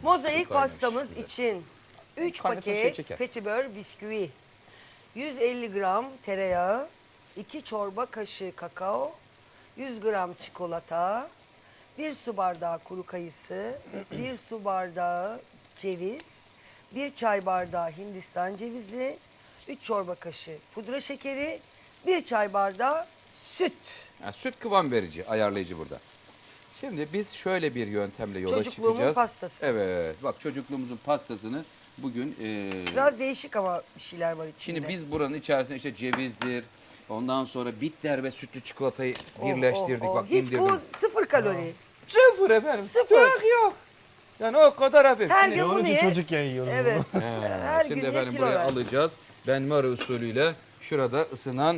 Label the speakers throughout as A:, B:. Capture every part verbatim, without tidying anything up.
A: Mozaik
B: Kaynamış
A: pastamız
B: şimdi.
A: için üç
B: Kaynasa şey
A: paket
B: çeker.
A: petibör bisküvi, yüz elli gram tereyağı, iki çorba kaşığı kakao, yüz gram çikolata, bir su bardağı kuru kayısı, bir su bardağı ceviz, bir çay bardağı Hindistan cevizi, üç çorba kaşığı pudra şekeri, bir çay bardağı süt.
B: Yani süt kıvam verici, ayarlayıcı burada. Şimdi biz şöyle bir yöntemle yola
A: Çocukluğumun
B: çıkacağız.
A: pastası.
B: Evet, bak çocukluğumuzun pastasını bugün... E,
A: Biraz değişik ama bir şeyler var içinde.
B: Şimdi biz buranın içerisine işte cevizdir, ondan sonra bitter ve sütlü çikolatayı
A: Oh,
B: birleştirdik.
A: oh, oh.
B: Bak
A: Hiç
B: indirdim.
A: bu sıfır kalori.
B: Sıfır efendim.
A: Sıfır.
B: Yok yok. Yani o kadar hafif.
A: Her
B: Şimdi-
A: gün
C: Onun
A: bunu
C: için
A: ye.
C: çocukken yiyoruz
A: Evet.
C: bunu.
A: Her
B: Şimdi
A: gün ye,
B: efendim
A: kilo
B: buraya
A: ver.
B: alacağız. Benmari usulüyle şurada ısınan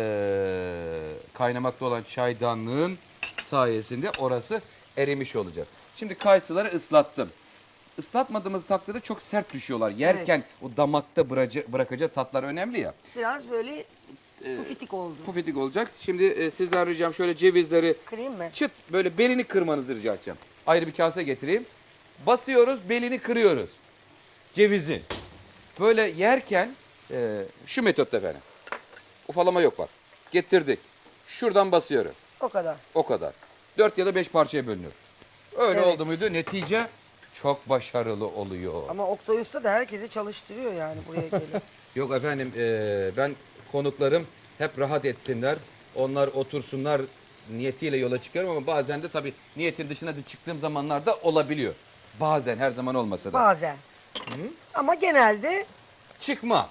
B: eee, kaynamakta olan çaydanlığın sayesinde orası erimiş olacak. Şimdi kayısıları ıslattım. Islatmadığımız takdirde çok sert düşüyorlar. Yerken o damakta bıraca- bırakacağı tatlar önemli ya.
A: Biraz böyle pufitik oldu.
B: Pufidik olacak. Şimdi e, sizden ricam şöyle cevizleri
A: Kırayım mı?
B: çıt böyle belini kırmanızı rica edeceğim. Ayrı bir kase getireyim. Basıyoruz, belini kırıyoruz. Cevizin. Böyle yerken e, şu metotta efendim. Ufalama yok bak. Getirdik. Şuradan basıyorum.
A: O kadar.
B: O kadar. Dört ya da beş parçaya bölünür. Öyle
A: Evet.
B: oldu muydu netice çok başarılı oluyor.
A: Ama Oktay Usta da herkesi çalıştırıyor yani buraya gelip.
B: Yok efendim e, ben konuklarım hep rahat etsinler. Onlar otursunlar niyetiyle yola çıkıyorum ama bazen de tabii niyetin dışına da çıktığım zamanlarda olabiliyor. Bazen her zaman olmasa da.
A: Bazen. Ama genelde
B: Çıkma.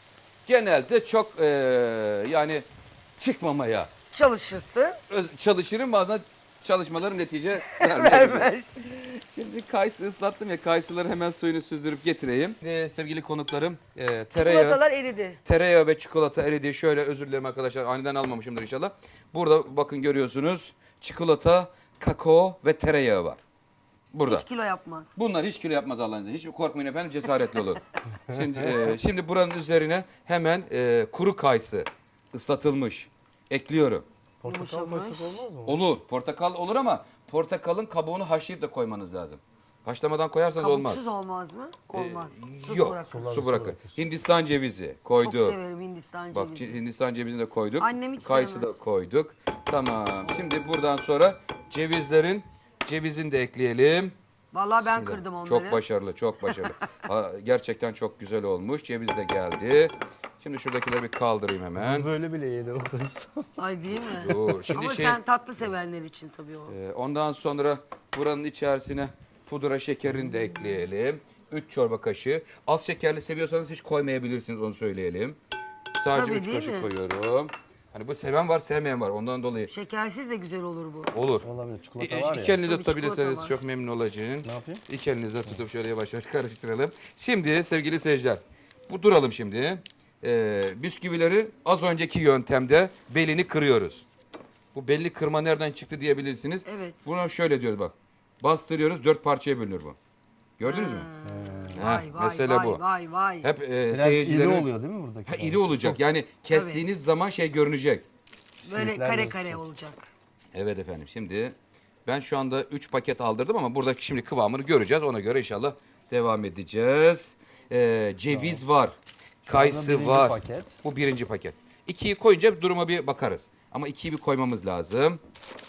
B: Genelde çok e, yani çıkmamaya
A: çalışırsın,
B: öz- çalışırım bazen çalışmalarım netice vermeyebilir.
A: vermez.
B: Şimdi kayısı ıslattım ya kayısıları hemen suyunu süzdürüp getireyim. E, sevgili konuklarım e, tereyağı.
A: Çikolatalar eridi.
B: Tereyağı ve çikolata eridi. Şöyle özür dilerim arkadaşlar. Aniden almamışımdır inşallah. Burada bakın görüyorsunuz. Çikolata, kakao ve tereyağı var. Burada.
A: Hiç kilo yapmaz.
B: Bunlar hiç kilo yapmaz Allah'ın izniyle. Hiç korkmayın efendim cesaretli olun. Şimdi, e, şimdi buranın üzerine hemen e, kuru kayısı ıslatılmış. Ekliyorum.
C: Portakal
A: Yumuşamış.
C: koysak olmaz mı?
B: Olur. Portakal olur ama portakalın kabuğunu haşlayıp da koymanız lazım. Haşlamadan koyarsanız olmaz.
A: Kabuksuz olmaz mı? Olmaz. Su
B: Yok.
A: bırakın.
C: Sular-
B: Su
C: su
B: bırakın.
C: bırakır.
B: Hindistan cevizi
A: Çok
B: koyduk.
A: severim Hindistan
B: Bak
A: cevizi.
B: Hindistan cevizini de koyduk.
A: Annem hiç
B: Kayısı da
A: sevmez.
B: koyduk. Tamam. Şimdi buradan sonra cevizlerin cevizini de ekleyelim.
A: Vallahi ben
B: Bismillah.
A: kırdım onları.
B: Çok başarılı, çok başarılı. Ha, gerçekten çok güzel olmuş. Ceviz de geldi. Şimdi şuradakileri bir kaldırayım hemen.
C: Böyle bile yenir Oktay Usta.
A: Ay değil mi?
B: Dur. Şimdi
A: Ama
B: şey,
A: sen tatlı sevenler için tabii o.
B: e, ondan sonra buranın içerisine pudra şekerini de ekleyelim. üç çorba kaşığı. Az şekerli seviyorsanız hiç koymayabilirsiniz onu söyleyelim. Sadece
A: Tabii,
B: üç
A: değil
B: kaşık
A: mi?
B: koyuyorum. Hani bu seven var, sevmeyen var. Ondan dolayı
A: Şekersiz de güzel olur bu.
B: olur.
C: Olabilir. Çikolata
B: İ-
C: var
B: İki
C: ya.
B: elinizde
A: Tabii, çikolata
B: tutabilirseniz
A: var.
B: çok memnun olacağım.
C: Ne yapayım?
B: İki elinizde tutup şöyle yavaş yavaş karıştıralım. Şimdi sevgili seyirciler, bu duralım şimdi. Ee, bisküvileri az önceki yöntemde belini kırıyoruz. Bu belli kırma nereden çıktı diyebilirsiniz.
A: Evet.
B: Buna şöyle diyoruz bak. Bastırıyoruz, dört parçaya bölünür bu. Gördünüz mü?
A: Vay
B: Heh,
A: vay
B: mesele
A: vay
B: bu.
A: vay vay.
B: Hep e,
C: Biraz
B: seyircilerin...
C: iri oluyor değil mi buradaki?
B: Ha, iri olacak. Yani kestiğiniz zaman şey görünecek.
A: Böyle
C: Bisküvitler
A: kare
C: gözükecek.
A: kare olacak.
B: Evet efendim şimdi ben şu anda üç paket aldırdım ama buradaki şimdi kıvamını göreceğiz. Ona göre inşallah devam edeceğiz. Ee, ceviz var. Kayısı
C: birinci
B: var.
C: paket.
B: Bu birinci paket. İkiyi koyunca duruma bir bakarız. Ama ikiyi bir koymamız lazım.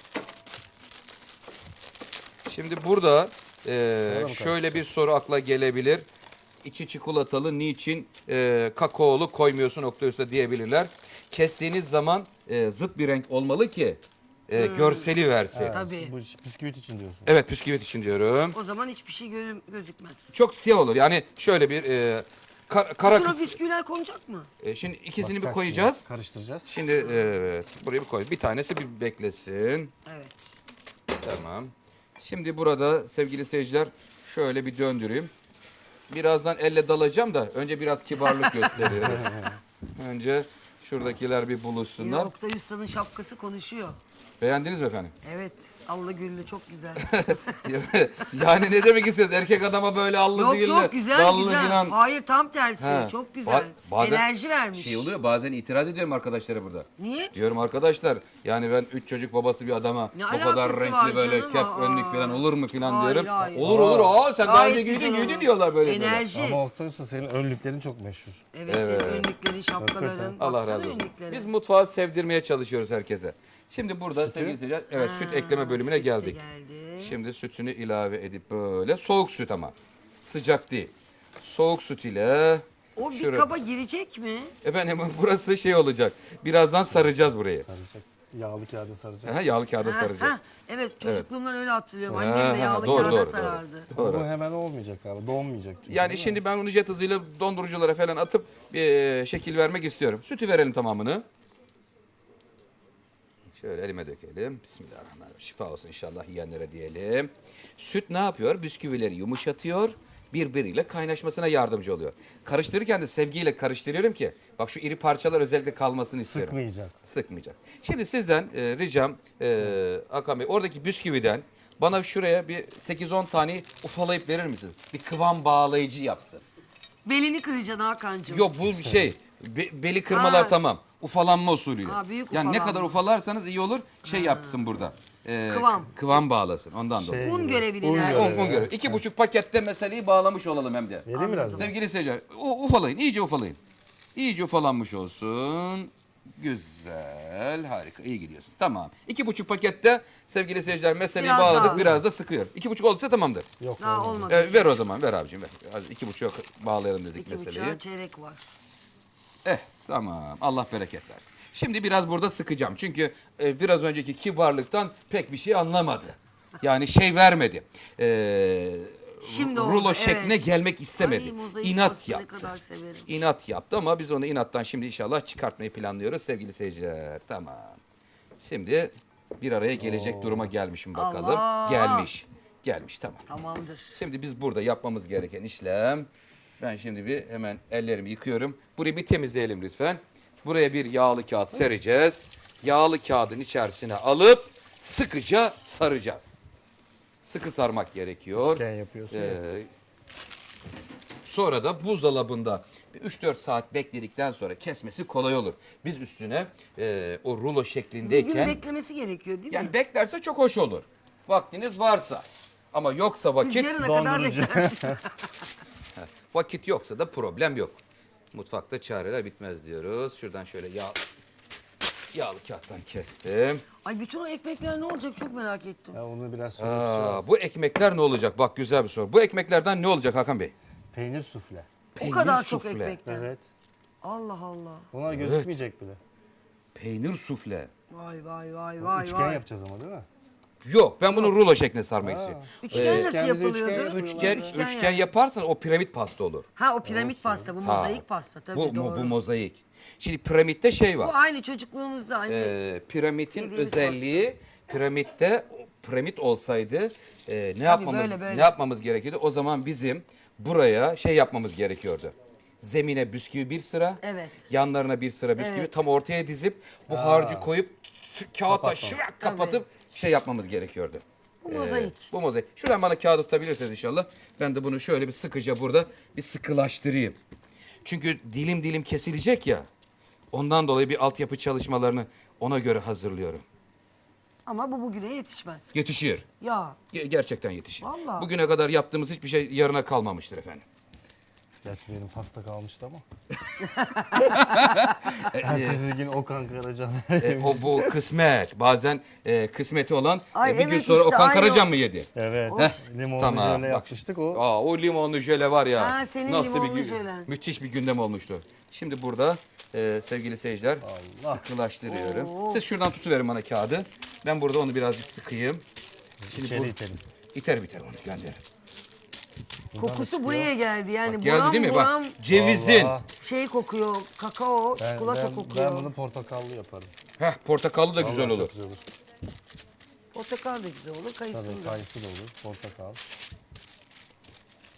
B: Şimdi burada e, şöyle bir soru akla gelebilir. İçi çikolatalı niçin e, kakaolu koymuyorsun Oktay Usta diyebilirler. Kestiğiniz zaman e, zıt bir renk olmalı ki e, görseli versin. Evet,
A: Tabii.
C: Bu bisküvit için diyorsun.
B: bisküvit için diyorum.
A: O zaman hiçbir şey gö- gözükmez.
B: Çok siyah olur. Yani şöyle bir e, kar- kara
A: Sonra
B: kısmı.
A: bisküviler konacak mı?
B: E, şimdi ikisini bir
C: Bakacak
B: koyacağız.
C: şimdi, karıştıracağız.
B: Şimdi evet buraya bir koy. Bir tanesi bir beklesin.
A: Evet.
B: Tamam. Şimdi burada sevgili seyirciler şöyle bir döndüreyim. Birazdan elle dalacağım da önce biraz kibarlık gösteriyorum. Önce şuradakiler bir
A: Yine
B: buluşsunlar.
A: Oktay Usta'nın şapkası konuşuyor.
B: Beğendiniz mi efendim?
A: Evet. Allı güllü çok güzel.
B: Yani ne demek istiyorsun? Erkek adama böyle allı
A: yok
B: güllü,
A: yok güzel
B: dallı
A: güzel.
B: gülen-
A: Hayır tam tersi.
B: Ha,
A: Çok
B: ba-
A: güzel.
B: bazen
A: Enerji vermiş.
B: Şey oluyor bazen itiraz ediyorum arkadaşlara burada.
A: Niye?
B: Diyorum arkadaşlar yani ben üç çocuk babası bir adama
A: Ne
B: bu kadar
A: alakası
B: renkli
A: var
B: böyle
A: canım?
B: kep
A: Aa.
B: önlük falan olur mu falan
A: Hayır,
B: diyorum.
A: hayır.
B: Olur olur aa sen daha
A: Gayet
B: önce
A: güzel
B: giydin
A: olur.
B: giydin diyorlar böyle böyle.
A: Enerji.
C: Ama Oktay Usta senin önlüklerin çok meşhur.
A: Evet, senin önlüklerin, şapkaların.
C: Hakikaten.
B: Allah
A: Baksana
B: razı olsun.
A: önlüklerine.
B: Biz mutfağı sevdirmeye çalışıyoruz herkese. Şimdi burada sevgili seyirciler evet süt ekleme bölümüne
A: süt de
B: geldik.
A: geldi.
B: Şimdi sütünü ilave edip böyle soğuk süt ama sıcak değil. Soğuk süt ile
A: O bir
B: şuraya-
A: kaba girecek mi?
B: efendim burası şey olacak. Birazdan saracağız burayı.
C: Saracak. Yağlı kağıda saracak.
B: Aha, yağlı kağıda
A: Ha,
B: saracağız.
A: ha, evet çocukluğumdan öyle hatırlıyorum.
B: Ha,
A: Annem de
B: ha,
A: yağlı
B: doğru,
A: kağıda
B: doğru, doğru.
A: sarardı.
C: Ama bu hemen olmayacak abi. Donmayacak çünkü.
B: Yani
C: değil mi?
B: şimdi ben onu jet hızıyla donduruculara falan atıp bir şekil vermek istiyorum. Sütü verelim tamamını. Şöyle elime dökelim. Bismillahirrahmanirrahim. Şifa olsun inşallah yiyenlere diyelim. Süt ne yapıyor? Bisküvileri yumuşatıyor. Birbiriyle kaynaşmasına yardımcı oluyor. Karıştırırken de sevgiyle karıştırıyorum ki bak şu iri parçalar özellikle kalmasını istiyorum.
C: Sıkmayacak.
B: Sıkmayacak. Şimdi sizden e, ricam e, Hakan Bey oradaki bisküviden bana şuraya bir sekiz on tane ufalayıp verir misin? Bir kıvam bağlayıcı yapsın.
A: Belini kıracaksın Hakan'cığım.
B: Yok bu bir şey. Be- beli kırmalar
A: Ha.
B: tamam. Ufalanma usulüyle.
A: Ha, büyük
B: yani ne
A: ufalanma.
B: kadar ufalarsanız iyi olur. Şey yapsın burada. E,
A: Kıvam.
B: Kıvam bağlasın ondan dolayı.
C: Şey
A: Un
C: gibi.
A: görevini
C: Un
A: nerede?
B: On,
C: görevi.
B: on göre. İki buçuk pakette meseleyi bağlamış olalım hem de.
C: Vereyim biraz da.
B: Sevgili seyirciler u- ufalayın iyice ufalayın. İyice ufalanmış olsun. Güzel, harika, iyi gidiyorsun. Tamam. İki buçuk pakette sevgili seyirciler meseleyi
A: Biraz
B: bağladık,
A: daha.
B: biraz da sıkıyor. İki buçuk olduysa tamamdır.
C: Yok
A: Daha
C: olmadı.
A: olmadı.
B: E, ver o zaman, ver abicim ver. Az iki buçuğa bağlayalım dedik
A: İki
B: meseleyi.
A: buçuğa çeyrek var.
B: Eh, tamam. Allah bereket versin. Şimdi biraz burada sıkacağım. Çünkü e, biraz önceki kibarlıktan pek bir şey anlamadı. Yani şey vermedi. Ee,
A: Şimdi oldu,
B: rulo
A: evet.
B: şekline gelmek istemedi.
A: Ay, mozaik
B: İnat
A: pastayı ne
B: yaptı.
A: kadar severim.
B: İnat yaptı ama biz onu inattan şimdi inşallah çıkartmayı planlıyoruz sevgili seyirciler. Tamam. Şimdi bir araya gelecek duruma gelmişim bakalım.
A: Allah!
B: Gelmiş. Gelmiş tamam.
A: Tamamdır.
B: Şimdi biz burada yapmamız gereken işlem. Ben şimdi bir hemen ellerimi yıkıyorum. Burayı bir temizleyelim lütfen. Buraya bir yağlı kağıt sereceğiz. Yağlı kağıdın içerisine alıp sıkıca saracağız. Sıkı sarmak gerekiyor.
C: Üçgen yapıyorsun ya.
B: Ee, sonra da buzdolabında üç dört saat bekledikten sonra kesmesi kolay olur. Biz üstüne e, o rulo
A: Bir gün
B: şeklindeyken
A: beklemesi gerekiyor değil mi?
B: yani beklerse çok hoş olur. Vaktiniz varsa. Ama yoksa
A: Biz
B: vakit
A: yarına kadar
C: dondurucu.
A: bekler.
B: vakit yoksa da problem yok. Mutfakta çareler bitmez diyoruz. Şuradan şöyle yağ yağlı kağıttan kestim.
A: Ay bütün o ekmekler ne olacak çok merak ettim.
C: Ya onu biraz
B: Aa,
C: sökeceğiz.
B: bu ekmekler ne olacak? Bak güzel bir soru. Bu ekmeklerden ne olacak Hakan Bey?
C: Peynir sufle.
A: O
B: Peynir
A: kadar çok
B: sufle.
A: ekmekler.
C: Evet.
A: Allah Allah.
C: Onlar gözükmeyecek bile.
B: Peynir sufle.
A: Vay vay vay vay
C: Üçgen
A: vay.
C: yapacağız ama değil mi?
B: Yok ben bunu rulo şekline sarmak istiyorum.
A: Üçgen
B: Ee,
A: nasıl
C: üçgenimize
A: yapılıyordu?
C: üçgen yapıyorlar.
B: Üçgen,
A: Üçgen
B: üçgen
A: yani.
B: yaparsan o piramit pasta olur.
A: Ha o piramit pasta bu
B: Ha,
A: mozaik pasta tabii
B: bu,
A: doğru.
B: bu mozaik. Şimdi piramitte şey
A: Bu
B: var.
A: aynı çocukluğumuzda aynı.
B: Ee, piramitin
A: Yediğimiz
B: özelliği piramitte piramit olsaydı e, ne yapmamız
A: böyle, böyle.
B: ne yapmamız gerekiyordu? O zaman bizim buraya şey yapmamız gerekiyordu. Zemine bisküvi bir sıra,
A: Evet.
B: yanlarına bir sıra bisküvi
A: Evet.
B: tam ortaya dizip bu harcı koyup t- kağıtla
C: Kapatmamız.
B: şırak kapatıp şey yapmamız gerekiyordu.
A: Bu mozaik.
B: Bu mozaik. Şuradan bana kağıt tutabilirseniz inşallah. Ben de bunu şöyle bir sıkıca burada bir sıkılaştırayım. Çünkü dilim dilim kesilecek ya. Ondan dolayı bir altyapı çalışmalarını ona göre hazırlıyorum.
A: Ama bu bugüne yetişmez.
B: Yetişir.
A: Ya
B: Ge- gerçekten yetişir.
A: Vallahi.
B: Bugüne kadar yaptığımız hiçbir şey yarına kalmamıştır efendim.
C: Gerçi benim pasta kalmıştı ama.
B: E,
C: Ertesi gün Okan Karacan.
B: E, o bu kısmet. Bazen e, kısmeti olan
A: Ay,
B: e, bir gün
A: evet
B: sonra
A: işte,
B: Okan
A: aynı
B: Karacan
A: o.
B: mı yedi?
C: Evet. Limonlu
B: Tamam.
C: jöle
B: bak.
C: yapmıştık o.
B: Aa, o limonlu jöle var ya.
A: Ha, senin
B: nasıl bir
A: limonlu
B: gün-
A: jölen.
B: müthiş bir gündem olmuştu. Şimdi burada e, sevgili seyirciler
C: Allah.
B: sıkılaştırıyorum.
A: Oo.
B: Siz şuradan tutuverin bana kağıdı. Ben burada onu birazcık sıkayım. Şimdi
C: İçeri
B: bu,
C: itelim.
B: iter biter onu gönderin.
A: kokusu buraya geldi yani.
B: Bak, geldi
A: buram
B: değil mi?
A: buram
B: Bak cevizin.
C: Vallahi.
A: şey kokuyor, kakao,
C: Ben,
A: çikolata
C: ben,
A: kokuyor.
C: ben bunu portakallı yaparım.
B: Heh, portakallı da güzel
C: Vallahi
B: olur.
C: Çok güzel olur.
A: Portakal da güzel olur, kayısı
C: Tabii
A: da.
C: kayısı da olur. Portakal.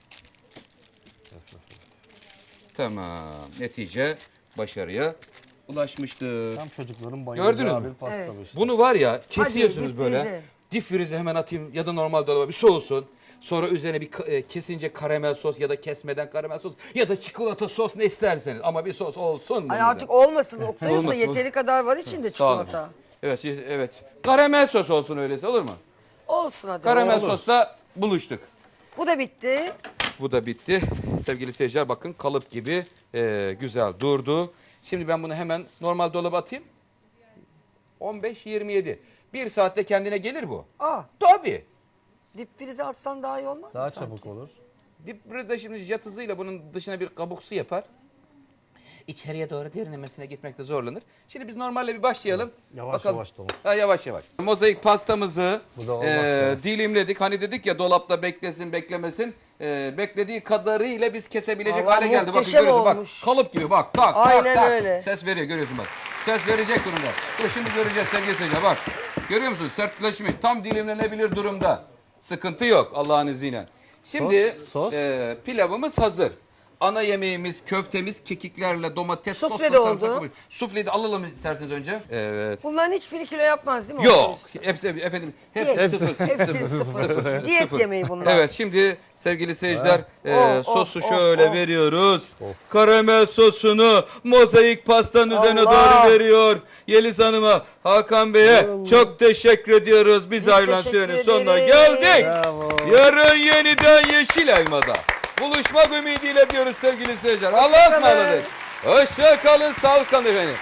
B: Tamam. Netice başarıya ulaşmıştır.
C: Tam çocukların
B: Gördünüz
C: bayılacağı
B: mü?
C: bir pasta
A: Evet.
C: bu işte.
B: Bunu var ya kesiyorsunuz
A: dip
B: böyle.
A: frize.
B: Dip frize hemen atayım ya da normal dolaba bir soğusun. Sonra üzerine bir ka- e, kesince karamel sos ya da kesmeden karamel sos ya da çikolata sos ne isterseniz. Ama bir sos olsun.
A: Ay
B: bunun
A: artık
B: üzerine.
A: olmasın. Oktay Usta
B: Olmasın.
A: yeteri kadar var içinde
B: Sağ olun.
A: çikolata.
B: Evet, evet. Karamel sos olsun öyleyse olur mu?
A: Olsun hadi.
B: Karamel
A: Olur.
B: sosla buluştuk.
A: Bu da bitti.
B: Bu da bitti. Sevgili seyirciler bakın kalıp gibi e, güzel durdu. Şimdi ben bunu hemen normal dolaba atayım. on beş yirmi yedi. Bir saatte kendine gelir bu.
A: Aa,
B: Tabii.
A: dip frize atsan daha iyi olmaz
C: Daha
A: mı sanki?
C: çabuk olur.
B: Dip frize şimdi jet hızıyla bunun dışına bir kabuk su yapar. İçeriye doğru derinlemesine gitmekte zorlanır. Şimdi biz normalle bir başlayalım.
C: Yavaş yavaş dolap.
B: Ha, yavaş yavaş. Mozaik pastamızı
C: Bu da olmak
B: e,
C: üzere.
B: dilimledik. Hani dedik ya dolapta beklesin beklemesin. E, beklediği kadarıyla biz kesebilecek
A: Vallahi
B: hale geldi. Bakın
A: muhteşem
B: görüyorsun bak
A: olmuş.
B: kalıp gibi bak tak
A: Aynen
B: tak tak.
A: öyle.
B: Ses veriyor görüyorsun bak. Ses verecek durumda. Dur şimdi göreceğiz sevgili seyirciler bak. Görüyor musun sertleşmiş tam dilimlenebilir durumda. Sıkıntı yok Allah'ın izniyle. Şimdi
C: Sos, sos.
B: e, pilavımız hazır. Ana yemeğimiz köftemiz kekiklerle domates
A: Sufle
B: sosla
A: de oldu.
B: sarımsak koymuş. Sufleyi de alalım isterseniz önce. Evet.
A: Bunların hiçbiri kilo yapmaz değil mi?
B: Yok.
A: Oktay Usta?
B: Hepsi efendim hepsi
A: Diyet.
B: sıfır.
A: Hepsi sıfır. Diyet yemeği bunlar.
B: Evet şimdi sevgili seyirciler e,
A: Oh,
B: sosu
A: oh,
B: şöyle
A: oh.
B: veriyoruz. Karamel sosunu mozaik pastanın üzerine
A: Allah.
B: doğru veriyor. Yeliz Hanım'a, Hakan Bey'e çok teşekkür ediyoruz. Biz,
A: Biz
B: ayrılan
A: teşekkür
B: sürenin sonuna
A: ederiz.
B: geldik.
C: Bravo.
B: Yarın yeniden Yeşil Elma'da buluşmak ümidiyle diyoruz sevgili seyirciler. Allah'a
A: Hoşça kalın.
B: ısmarladık. Hoşça kalın, sağlıkla efendim.